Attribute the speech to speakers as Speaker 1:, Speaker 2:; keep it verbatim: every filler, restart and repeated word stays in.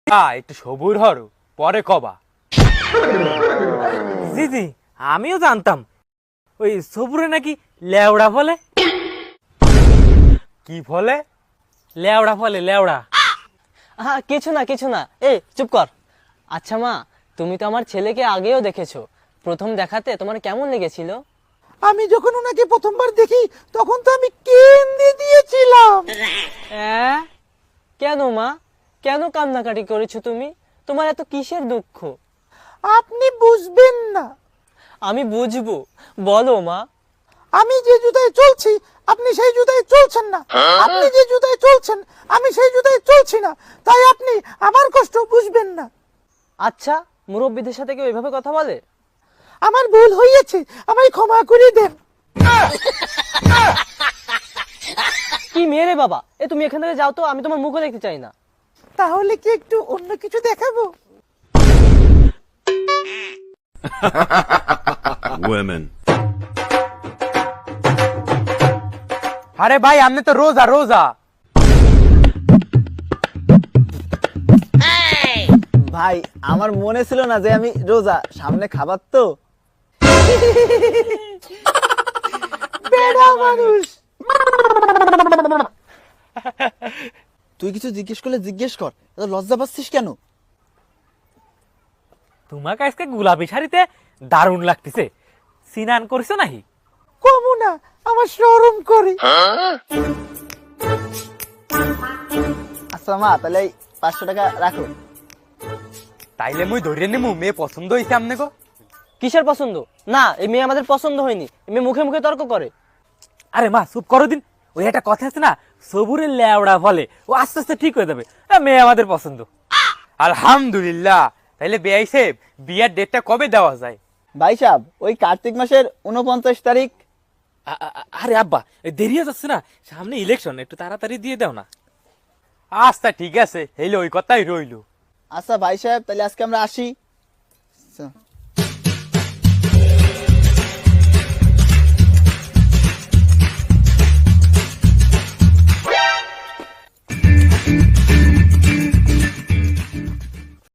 Speaker 1: একটু সবুর হরো, পরে কবা।
Speaker 2: জি জি, আমিও জানতাম ওই সবুরে নাকি লেওড়া ফলে।
Speaker 1: কি ফলে?
Speaker 2: লেওড়া ফলে, লেওড়া।
Speaker 3: হ্যাঁ, কিছু না কিছু না, এই চুপ কর। আচ্ছা মা, তুমি তো আমার ছেলেকে আগেও দেখেছো, প্রথম দেখাতে তোমার কেমন লেগেছিল?
Speaker 4: আমি যখন ওনাকে প্রথমবার দেখি তখন তো আমি কেঁদে দিয়েছিলাম।
Speaker 3: হ্যাঁ, কেন মা, কেন কান্নাকাটি করেছো তুমি? তোমার এত কিসের দুঃখ?
Speaker 4: আপনি বুঝবেন না।
Speaker 3: আমি বুঝবো, বলো মা।
Speaker 4: আমি যে জুতায় চলছি আপনি সেই জুতায় চলছেন না, আপনি যে জুতায় চলছেন আমি সেই জুতায় চলছি না, তাই আপনি আমার কষ্ট বুঝবেন না।
Speaker 3: আচ্ছা, মুরব্বীদের সাথে কেউ এভাবে কথা বলে?
Speaker 4: আমার ভুল হয়েছে, আমায় ক্ষমা করে দেন।
Speaker 3: কি মেরে বাবা, এ তুমি এখান থেকে যাও তো, আমি তোমার মুখও দেখতে চাই না।
Speaker 4: তাহলে কি একটু অন্য কিছু দেখাবো?
Speaker 5: Women.
Speaker 1: আরে ভাই, আপনি তো রোজা রোজা।
Speaker 6: ভাই আমার মনে ছিল না যে আমি রোজা, সামনে খাবার তো।
Speaker 4: বেড়া মানুষ।
Speaker 6: তুই কিছু জিজ্ঞেস করলে জিজ্ঞেস কর, এত লজ্জা পাচ্ছিস কেন?
Speaker 2: তোমাকে আজকে গোলাপি শাড়িতে দারুণ লাগতেছে, সিনান করছো নাকি?
Speaker 4: কমু না, আমার শরম করে।
Speaker 6: আচ্ছা মা, তাহলে এই পাঁচশো টাকা রাখো।
Speaker 1: তাইলে মুই ধরে নিমু, মেয়ে পছন্দ হয়েছে আমনে গো?
Speaker 3: কিসের পছন্দ? না, এই মেয়ে আমাদের পছন্দ হয়নি। এই মেয়ে মুখে মুখে তর্ক করে।
Speaker 2: আরে মা চুপ করো দিন, ওই একটা কথা আছে না, সবুরের লেওড়া ফলে, ও আস্তে আস্তে ঠিক হয়ে যাবে। এ, মেয়ে আমাদের পছন্দ।
Speaker 1: আলহামদুলিল্লাহ। তাইলে বেআই সাহেব, বিয়ার ডেটটা কবে দেওয়া যায়?
Speaker 6: ভাই সাহেব, ওই কার্তিক মাসের উনপঞ্চাশ তারিখ।
Speaker 2: আ- আ- আরে আব্বা, এই দেরি হয়ে যাচ্ছে না, সামনে ইলেকশন, একটু তাড়াতাড়ি দিয়ে দাও না।
Speaker 1: আচ্ছা ঠিক আছে, হইলো, ওই কথাই রইলো।
Speaker 6: আচ্ছা ভাই সাহেব, তাহলে আজকে আমরা আসি। আচ্ছা।